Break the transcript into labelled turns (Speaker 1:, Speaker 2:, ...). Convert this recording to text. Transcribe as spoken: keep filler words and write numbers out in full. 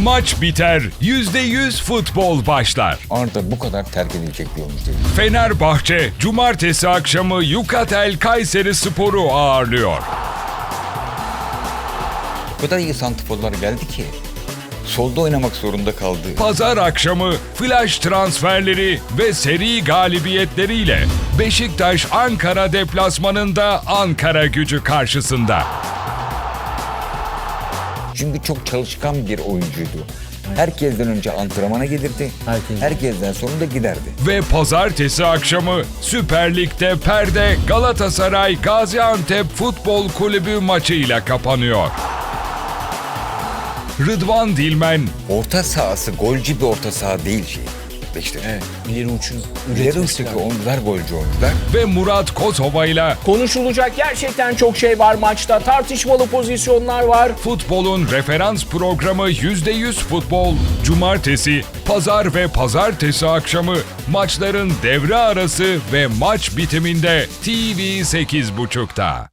Speaker 1: Maç biter, yüzde yüz futbol başlar.
Speaker 2: Arda bu kadar terk edilecek bir oyuncu değil.
Speaker 1: Fenerbahçe, cumartesi akşamı Yukatel Kayserispor'u ağırlıyor.
Speaker 2: O kadar iyi santrforlar geldi ki solda oynamak zorunda kaldı.
Speaker 1: Pazar akşamı flash transferleri ve seri galibiyetleriyle Beşiktaş Ankara deplasmanında Ankara Gücü karşısında.
Speaker 2: Çünkü çok çalışkan bir oyuncuydu. Herkesten önce antrenmana gelirdi.
Speaker 3: Herkes.
Speaker 2: Herkesten sonra da giderdi.
Speaker 1: Ve pazartesi akşamı Süper Lig'de perde Galatasaray Gaziantep Futbol Kulübü maçıyla kapanıyor. Rıdvan Dilmen,
Speaker 2: Orta sahası golcü bir orta saha değil şey. İşte
Speaker 3: Evet, ileri uçun
Speaker 2: ileri
Speaker 3: üretmesi
Speaker 2: uçtaki
Speaker 3: lazım.
Speaker 2: oyuncular golcü oyuncular.
Speaker 1: ve Murat Kosova'yla
Speaker 4: Konuşulacak gerçekten çok şey var maçta. Tartışmalı pozisyonlar var.
Speaker 1: futbolun referans programı yüzde yüz futbol, cumartesi, pazar ve pazartesi akşamı maçların devre arası ve maç bitiminde T V sekiz buçukta.